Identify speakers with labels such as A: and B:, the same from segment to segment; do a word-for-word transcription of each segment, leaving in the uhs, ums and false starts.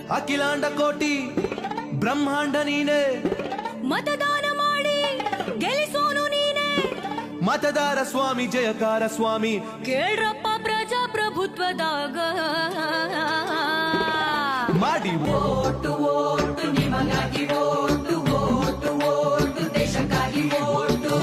A: ಅಖಿಲಾಂಡ ಕೋಟಿ ಬ್ರಹ್ಮಾಂಡ ನೀನೆ,
B: ಮತದಾನ ಮಾಡಿ ಗೆಲ್ಲಿಸೋನು ನೀನೆ,
A: ಮತದಾರ ಸ್ವಾಮಿ ಜಯಕಾರ ಸ್ವಾಮಿ.
B: ಕೇಳ್ರಪ್ಪ ಪ್ರಜಾಪ್ರಭುತ್ವದಾಗ
A: ಮಾಡಿ
B: ಓಟು ಓಟು ನಿಮಗಾಗಿ ಓಟು ಓಟು ಓಟು ದೇಶಕ್ಕಾಗಿ ಓಟು.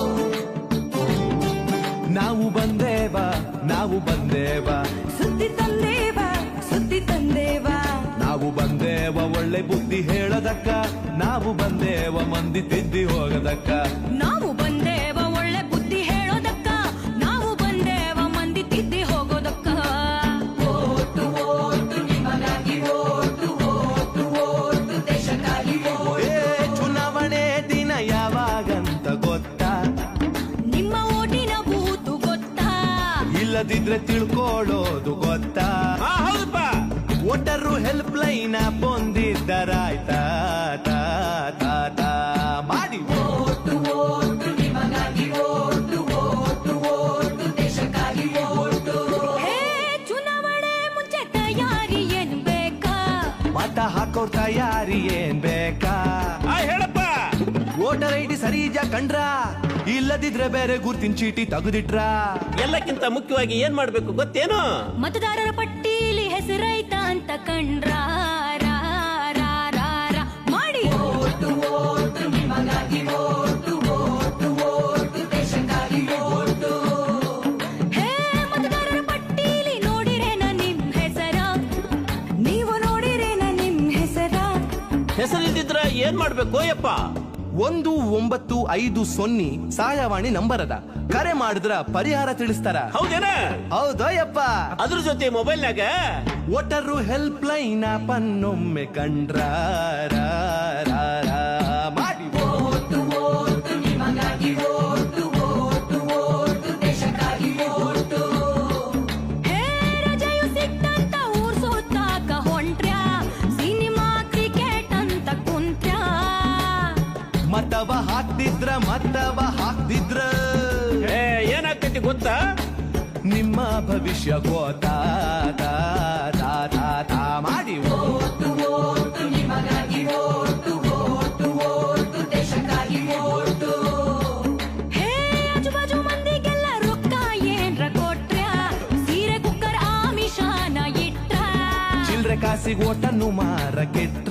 A: ನಾವು ಬಂದೇವ ನಾವು ಬಂದೇವ
B: ಸುದ್ದಿ ತಂದೇವ ಸುದ್ದಿ ತಂದೇವ,
A: ನಾವು ಬಂದೇವ ಒಳ್ಳೆ ಬುದ್ಧಿ ಹೇಳದಕ್ಕ, ನಾವು ಬಂದೇವ ಮಂದಿ ತಿದ್ದಿ ಹೋಗದಕ್ಕ.
B: ನಾವು ಬಂದೇವ ಒಳ್ಳೆ ಬುದ್ಧಿ ಹೇಳೋದಕ್ಕ, ನಾವು ಬಂದೇವ ಮಂದಿ ತಿದ್ದಿ ಹೋಗೋದಕ್ಕ. ಓಟು ಓಟು ನಿಮಗಾಗಿ ಓಟು ಓಟು ಓಟು ದೇಶಕ್ಕಾಗಿ ಓಟು.
A: ಏ ಚುನಾವಣೆ ದಿನ ಯಾವಾಗಂತ ಗೊತ್ತಾ?
B: ನಿಮ್ಮ ಓಟಿನ ಬೂತು ಗೊತ್ತಾ?
A: ಇಲ್ಲದಿದ್ರೆ ತಿಳ್ಕೊಳ್ಳೋದು ಗೊತ್ತಾ?
C: ಹೌದಪ್ಪ.
A: ವೋಟರು ಹೆಲ್ಪ್ ಲೈನ್ ಬಂದಿದ್ದರಾಯ್ತಾ ತಾ ತಾ ತಾ ಮಾಡಿ
B: ಓಟು ಓಟು ನಿಮಗಾಗಿ ಓಟು ಓಟು ಓಟು ದೇಶಕ್ಕಾಗಿ ಓಟು. ಹೇ ಚುನಾವಣೆ ಮುಂಚೆ ತಯಾರಿ ಏನ್ ಬೇಕಾ?
A: ಮತ ಹಾಕೋರ್ ತಯಾರಿ ಏನ್ ಬೇಕಾ?
C: ಆ ಹೇಳಪ್ಪ.
A: ವೋಟರ್ ಐ ಡಿ ಸರಿಜ ಕಂಡ್ರ, ಇಲ್ಲದಿದ್ರೆ ಬೇರೆ ಗುರ್ತಿನ ಚೀಟಿ ತೆಗೆದಿಟ್ರ.
C: ಎಲ್ಲಕ್ಕಿಂತ ಮುಖ್ಯವಾಗಿ ಏನ್ ಮಾಡ್ಬೇಕು ಗೊತ್ತೇನು?
B: ಮತದಾರರ ಪಟ್ಟೀಲಿ ಹೆಸರೈತ ಅಂತ ಕಂಡ್ರ ರಾ, ರಾ, ರಾ, ರಾ ಮಾಡಿ ಓಟು ಓಟು ನಿಮಗಾಗಿ ಓಟು ಓಟು ಓಟು ದೇಶಕ್ಕಾಗಿ ಓಟು. ಹೇ ಮತದಾರರ ಪಟ್ಟೀಲಿ ನೋಡಿರೇನ ನಿಮ್ ಹೆಸರ? ನೀವು ನೋಡಿರೇನ ನಿಮ್ ಹೆಸರ?
C: ಹೆಸರಿಲ್ದಿದ್ರ ಏನ್ ಮಾಡ್ಬೇಕು ಯಪ್ಪ?
A: ಒಂದು ಒಂಬತ್ತು ಐದು ಸೊನ್ನೆ ಸಹಾಯವಾಣಿ ನಂಬರ್ ಅದ, ಕರೆ ಮಾಡಿದ್ರ ಪರಿಹಾರ ತಿಳಿಸ್ತಾರ.
C: ಹೌದೇನ?
A: ಹೌದಯ್ಯಪ್ಪ.
C: ಅದ್ರ ಜೊತೆ ಮೊಬೈಲ್ನಾಗ
A: ವೋಟರು ಹೆಲ್ಪ್ ಲೈನ್ ಪನ್ನೊಮ್ಮೆ ಕಂಡ್ರ ರಾ, ರಾ, ರಾ ಮಾಡಿ
B: ಓಟು ಓಟು ನಿಮಗಾಗಿ ಓಟು ಓಟು ಓಟು ದೇಶಕ್ಕಾಗಿ ಓಟು. ಹೇ ರಜೆಯು ಸಿಕ್ತಂತ ಊರ್ ಸುತ್ತಾಕ ಹೊಂಟ್ರ್ಯಾ, ಸಿನಿಮಾ ಕ್ರಿಕೆಟ್ ಅಂತ ಕುಂತ್ರ್ಯಾ.
A: ಮತವ ಹಾಕ್ತಿದ್ರ ಮತವ ಹಾಕ್ತಿದ್ರ
C: ಏ, ಏನಾಗ್ತೈತಿ ಗೊತ್ತಾ?
A: ನಿಮ್ಮ ಭವಿಷ್ಯ ಗೋತಾ ತಾ, ತಾ, ತಾ, ತಾ ಮಾಡಿ
B: ಓಟು ಓಟು ನಿಮಗಾಗಿ ಓಟು ಓಟು ಓಟು ದೇಶಕ್ಕಾಗಿ ಓಟು. ಹೇ ಆಜುಬಾಜು ಮಂದಿಗೆಲ್ಲ ರೊಕ್ಕ ಏನ್ರ ಕೊಟ್ರ್ಯಾ, ಸೀರೆ ಕುಕ್ಕರ್ ಆಮಿಷಾನ ಇಟ್ರ.
A: ಚಿಲ್ರೆ ಕಾಸಿಗೆ ಓಟನ್ನು ಮಾರ ಕೆಟ್ರ.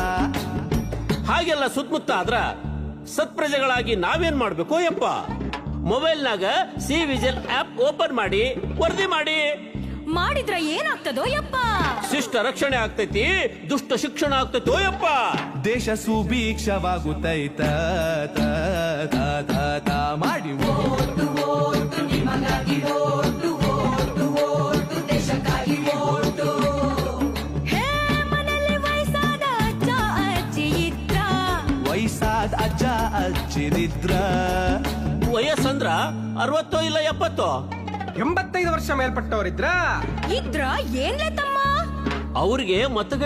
C: ಹಾಗೆಲ್ಲ ಸುತ್ತಮುತ್ತ ಆದ್ರ ಸತ್ಪ್ರಜೆಗಳಾಗಿ ನಾವೇನ್ ಮಾಡ್ಬೇಕು ಯಪ್ಪ? ಮೊಬೈಲ್ನಾಗ ಸಿ ವಿಜಿಲ್ ಆಪ್ ಓಪನ್ ಮಾಡಿ ವರದಿ ಮಾಡಿ.
B: ಮಾಡಿದ್ರ ಏನಾಗ್ತದೋ ಯಪ್ಪ?
C: ಶಿಷ್ಟ ರಕ್ಷಣೆ ಆಗ್ತೈತಿ, ದುಷ್ಟ ಶಿಕ್ಷಣ ಆಗ್ತೈತೋ ಯಪ್ಪ.
A: ದೇಶ ಸುಭೀಕ್ಷವಾಗುತ್ತೈತ ತಾ, ತಾ, ತಾ, ತಾ ಮಾಡಿ
B: ಓಟು ಓಟು ನಿಮಗಾಗಿ ಓಟು ಓಟು ಓಟು ದೇಶಕ್ಕಾಗಿ ಓಟು. ಹೇ ಮನೆಯಲ್ಲಿ ವಯಸ್ಸಾದ ಅಜ್ಜ ಅಜ್ಜಿ ಇದ್ರ,
A: ವಯಸ್ಸಾದ ಅಜ್ಜ ಅಜ್ಜಿರಿದ್ರ.
C: ವಯಸ್ಸಂದ್ರ ಅರವತ್ತೋ ಇಲ್ಲ ಎಪ್ಪತ್ತೋ?
D: ಎಂಬತ್ತೈದು ವರ್ಷ ಮೇಲ್ಪಟ್ಟವರಿದ್ರ
B: ಇದ್ರ ಏನ್ಲೆ ತಮ್ಮ?
C: ಅವ್ರಿಗೆ ಮತ